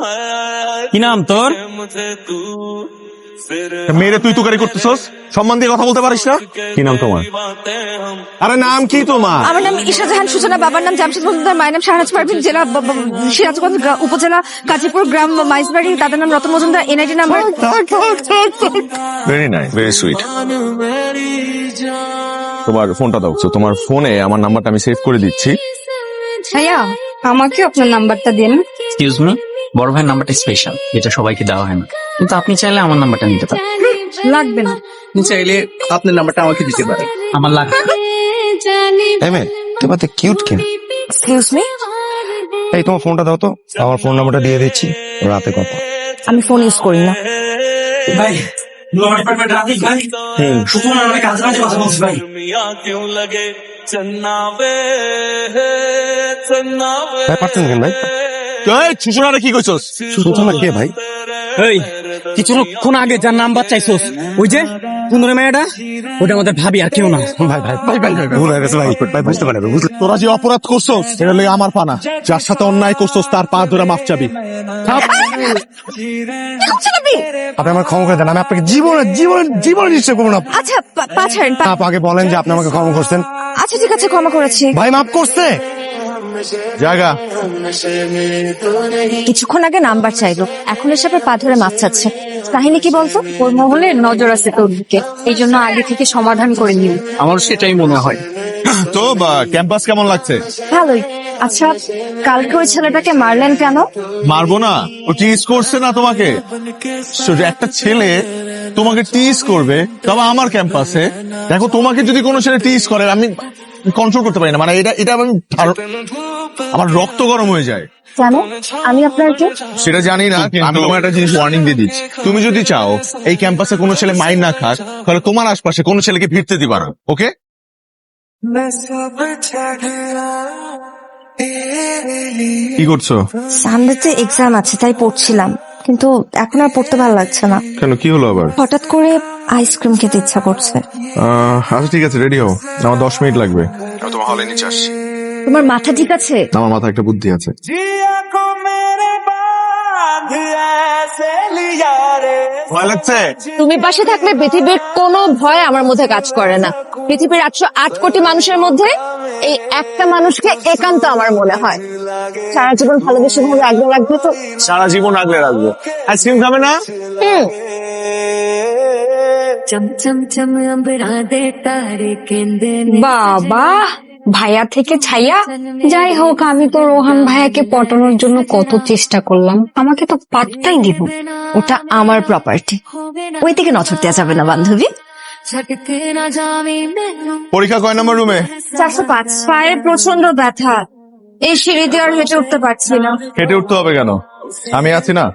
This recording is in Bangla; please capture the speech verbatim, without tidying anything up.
কি নাম তোর? মেয়েরে তুই তুকারি করতেছস, সম্মান দিয়ে কথা বলতে পারিস না? কি নাম তোমার? আরে নাম কি তোমার? আমার নাম ঈশা জাহান সূচনা, বাবার নাম জামশেদ মজুমদার, মায়ের নাম শাহনাজ পারভিন, জেলা ব- ব- সিরাজগঞ্জ, গ্রা- উপজেলা গাজীপুর, গ্রাম মাইজবাড়ি, দাদার নাম Ratan Majumdar, NID number. Very nice, very sweet. তোমার ফোনটা দাও। তো তোমার ফোনে আমার নাম্বারটা আমি সেভ করে দিচ্ছি। ভাইয়া, আমাকে আপনার নাম্বারটা দিন। এক্সকিউজ মি, বড় ভাইয়ের নাম্বারটা স্পেশাল, এটা সবাইকে দেওয়া হয় না, কিন্তু আপনি চাইলে আমার নাম্বারটা নিতে পারেন। লাগবে না। আপনি চাইলে আপনার নাম্বারটা আমাকে দিতে পারেন। আমার লাগবে না। এমএ তোমার তো কিউট কেন? এক্সকিউজ মি, এই তোমার ফোনটা দাও তো, আমার ফোন নাম্বারটা দিয়ে দিচ্ছি, রাতে কথা। আমি ফোন ইউজ করি না। ভাই, ল ডিপার্টমেন্ট রাখি ভাই। শুধু অনেক কাজ কাজ কথা বলছি ভাই। ভাই পারছেন কেন ভাই? সুষমারে কি কইছস? সুষমা কে ভাই? এই কিছুক্ষণ আগে যার নাম্বার চাইছস, ওই যে সুন্দরী মেয়েটা, ওটা আমাদের ভাবি, আর কেউ না। ভাই ভাই ভাই ভাই ভাই ভুল হয়ে গেছে ভাই, ভাই বুঝতে পারবে বুঝলে। তোরা যে অপরাধ করছস সেটা লই আমার পানা। যার সাথে অন্যায় করছস তার পা ধরে মাপ চাবি। আপনি আমার ক্ষমা করে দেন, আমি আপনাকে জীবনে জীবনে জীবনে নিশ্চয় করবো না। আচ্ছা, পা- পা ছাড়েন, পা- আপনি আগে বলেন যে আপনি আমাকে ক্ষমা করছেন। আচ্ছা ঠিক আছে, ক্ষমা করেছি। ভাই মাফ করছে। জায়গা কিছুক্ষণ আগে নাম্বার চাইলো, এখন এসে পা ধরে মাছ চাচ্ছে। কাহিনী কি বলতো? ওর মহলে নজর আছে তোর দিকে, এই জন্য আগে থেকে সমাধান করে নিল। আমার সেটাই মনে হয়। তো ক্যাম্পাস কেমন লাগছে? ভালোই। আচ্ছা, কালকে ওই ছেলেটাকে মারলেন কেন? মারবো না, ও টিজ করছে না তোমাকে? শুধু একটা ছেলে তোমাকে টিজ করবে, তবে আমার ক্যাম্পাসে। দেখো, তোমাকে যদি কোনো ছেলে টিজ করে আমি কন্ট্রোল করতে পারি না, মানে এটা এটা আমি ধার- আমার রক্ত গরম হয়ে যায়। কেন? আমি আপনার কে? সেটা জানি না, আমি তোমার একটা জিনিস ওয়ার্নিং দিয়ে দিচ্ছি। তুমি যদি চাও এই ক্যাম্পাসে কোনো ছেলে মাইর না খাক, তাহলে তোমার আশপাশে কোনো ছেলেকে ভিড়তে দিবা না, ওকে? কি করছো? সানডেতে এক্সাম আছে, তাই পড়ছিলাম, কিন্তু এখন আর পড়তে ভালো লাগছে না। কেন, কি হলো আবার? হঠাৎ করে আইসক্রিম খেতে ইচ্ছা করছে। আহ, আচ্ছা ঠিক আছে, রেডি হও, আমার দশ মিনিট লাগবে। আমি তোমার হলে নিচে আসছি। তোমার মাথা ঠিক আছে? আমার মাথায় একটা বুদ্ধি আছে। ভয় লাগছে? তুমি পাশে থাকলে পৃথিবীর কোনো ভয় আমার মধ্যে কাজ করে না। পৃথিবীর আটশো আট কোটি মানুষের মধ্যে এই একটা মানুষকে একান্ত আমার মনে হয়। সারা জীবন ভালোবেসে ভাবে আগলে রাখবে তো? সারা জীবন আগলে রাখবো। আইসক্রিম খাবে না? হুম। বাবা, ভাইয়া থেকে ছাইয়া। যাই হোক, আমি তো রোহান ভাইয়াকে পটানোর জন্য কত চেষ্টা করলাম, আমাকে তো পাত্তাই দিব। ওটা আমার প্রপার্টি, ওই দিকে নজর দেওয়া যাবে না বান্ধবী। পরীক্ষা কয় নম্বর রুমে? চারশো পাঁচ। পায়ে প্রচন্ড ব্যথা, এই সিঁড়ি দিয়ে আর হেঁটে উঠতে পারছি না। হেঁটে উঠতে হবে কেন? আমি আছি না।